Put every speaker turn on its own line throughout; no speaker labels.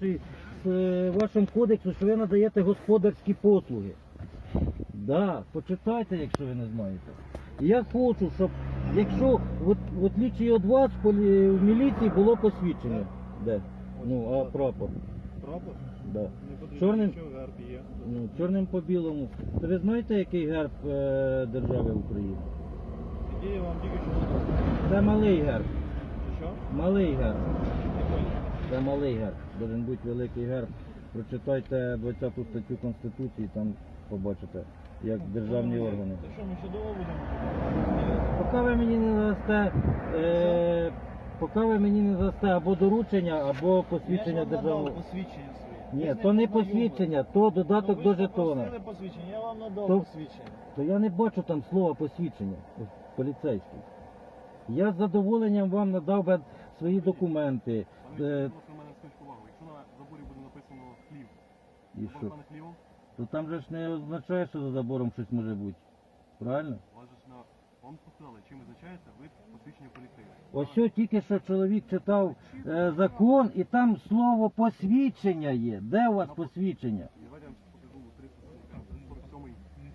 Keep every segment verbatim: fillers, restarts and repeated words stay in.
вашій, з вашому кодексу, що ви надаєте господарські послуги. Да, почитайте, якщо ви не знаєте. Я хочу, щоб, якщо, от, в отличие від вас, в полі- в міліції було посвідчення. Де? Ну, а прапор?
Прапор?
Да.
Не потрібно,
Чорним,
що герб є.
ну, чорним по білому. То ви знаєте, який герб е, держави України?
Який я вам тільки що сказав.
Це малий герб.
Чи що?
Малий герб.
Який?
Це малий герб. Должен бути великий герб. Прочитайте двадцяту статтю Конституції, там побачите, як державні
Ну,
органи.
То що, ми ще довго будемо?
Поки ви мені не дасте, е, поки ви мені не дасте або доручення, або посвідчення
Я ж вам
державного.
надав посвідчення своє.
Ні,
Ви ж
то не
познайомились.
посвідчення, то додаток
Ну,
до
ви ж
жетона.
попросили посвідчення, я вам надав
То-
посвідчення.
То я не бачу там слова посвідчення поліцейський. Я з задоволенням вам надав би свої документи.
Пане
Е,
Віктор, будь ласка, в мене скажіть повагу. Якщо на заборі буде написано хлів,
І
то
що?
пане хлівом,
То там же ж не означає, що за забором щось може бути. Правильно?
у вас же ж на вам сказали, чим визначається вид посвідчення поліцейського.
Ось що тільки що чоловік читав е, закон, і там слово посвідчення є. Де у вас посвідчення?
Давайте я вам покажу триста сорок сьомий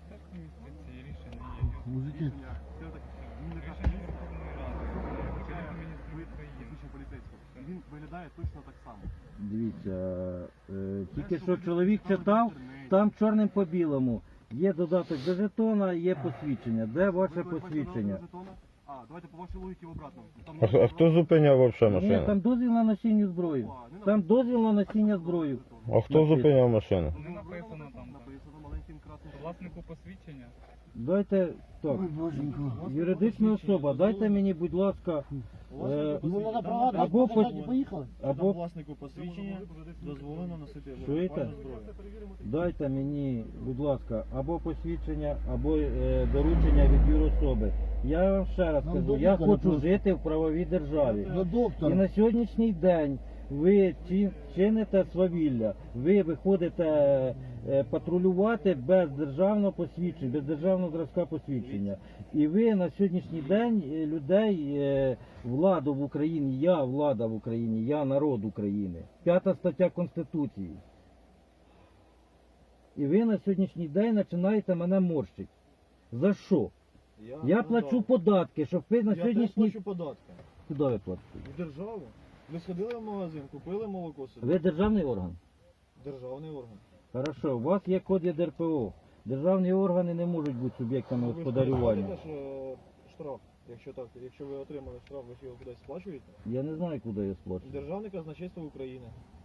Мужики.
рішення. Це так, він не каже, вид посвідчення поліцейського. І він виглядає точно так само.
Дивіться, е, тільки що чоловік читав, там чорним по білому. Є додаток до жетона, є посвідчення. Де ваше
Ви бачите
посвідчення?
номер жетона? А, давайте по вашій логіці в обратному. Там
А, хто- а хто зупиняв вообще
Ні,
машину?
там дозвіл на носіння зброї. Там дозвіл на носіння зброї.
А хто зупиняв машину?
Не написано там. Написано маленьким красним.
Власнику посвідчення.
Дайте так. Юридична особа, дайте мені, будь ласка, е, або по-
Там
або
власнику посвідчення дозволено носити
Чуєте?
вогнепальну зброю.
дайте мені, будь ласка, або посвідчення, або е, доручення від юрособи. Я вам ще раз кажу, я хочу жити в правовій державі. І на сьогоднішній день ви чи- чините свавілля, ви виходите е, патрулювати без державного посвідчення, без державного зразка посвідчення. І ви на сьогоднішній день е, людей, е, владу в Україні, я влада в Україні, я народ України. П'ята стаття Конституції. І ви на сьогоднішній день починаєте мене морщити. За що? Я
надав.
плачу податки, щоб ви на
Я теж
сьогоднішній...
плачу податки.
Куди ви платите?
В державу. Ви сходили в магазин, купили молоко собі.
Ви державний орган?
Державний орган.
Хорошо, у вас є код Є Р П О. Державні органи не можуть бути суб'єктами
Ви ж
господарювання.
знаєте, що штраф, якщо так, якщо ви отримали штраф, ви ж його кудись сплачуєте?
Я не знаю, куди я сплачу.
Державне казначейство України.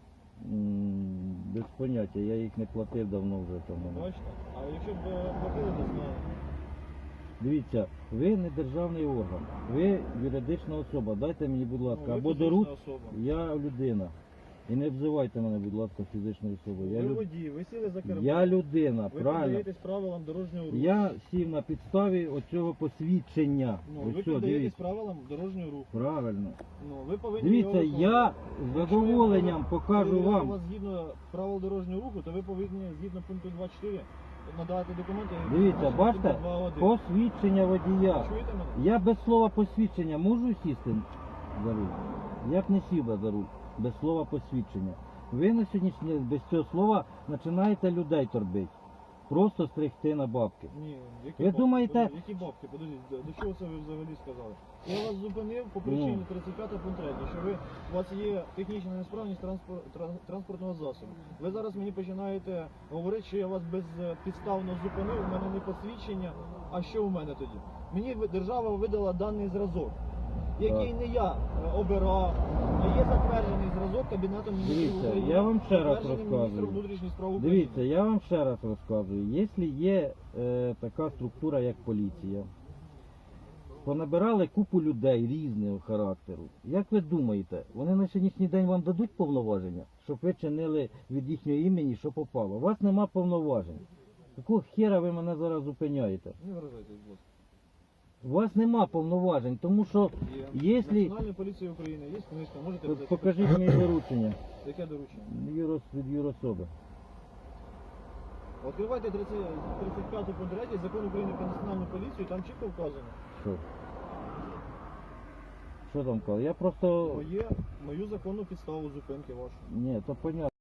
М, Без поняття, я їх не платив давно вже тому.
Бачите? А якщо б е, платили, то знали.
Дивіться, ви не державний орган, ви юридична особа. Дайте мені, будь ласка,
Ну, ви
або
фізична
доруч,
особа.
я людина. І не обзивайте мене, будь ласка, фізичною особою. Я,
Ви
люд...
водій, ви сіли за кермо.
я людина,
Ви
правильно?
піддаєтесь правилам дорожнього руху.
Я сів на підставі оцього посвідчення.
Ну,
Ось
ви
що,
піддаєтесь
дивіться.
правилам дорожнього руху.
Правильно.
Ну, ви повинні
Дивіться,
його
я
виконувати.
з
Якщо
задоволенням
я
покажу
перевіряю
вам.
вас згідно правил дорожнього руху, то ви повинні згідно пункту два чотири надати документи.
Дивіться,
згідно
бачите,
пункту два один.
посвідчення водія.
Чуєте мене?
Я без слова посвідчення можу сісти за руль? Я б не сів би за руль без слова посвідчення. Ви на сьогоднішній день без цього слова починаєте людей торбити. Просто стригти на бабки.
Ні, які
Ви
бабки?
думаєте-
Подождіть, які бабки? Подождіть, до до чого це ви взагалі сказали? Я вас зупинив по причині
Ну.
тридцять п'ять пункт три, що ви, у вас є технічна несправність транспор, тран- транспортного засобу. Ви зараз мені починаєте говорити, що я вас безпідставно зупинив, у мене не посвідчення, а що у мене тоді? Мені ви- держава видала даний зразок, який
Так.
не я е, обирав, а є затверджений зразок Кабінетом міністрів
Дивіться,
України.
я вам ще раз
затверджений
розказую.
міністром внутрішніх справ України.
Дивіться, я вам ще раз розказую. Якщо є е, така структура, як поліція, понабирали купу людей різного характеру. Як ви думаєте, вони на сьогоднішній день вам дадуть повноваження, щоб ви чинили від їхнього імені, що попало? У вас нема повноважень. Якого хера ви мене зараз зупиняєте?
Не виражайтесь, будь ласка.
У вас нема повноважень, тому що
Є.
Якщо-
Національної поліції України є книжка, можете взяти.
покажіть мені доручення
Яке доручення?
Юрос, від юрособи.
Відкривайте тридцять тридцять п'яту пункт три Закон України про національну поліцію, там чітко вказано.
Що? Що там казав? Я просто...
Моє, мою законну підставу зупинки вашу.
Ні, то понятно.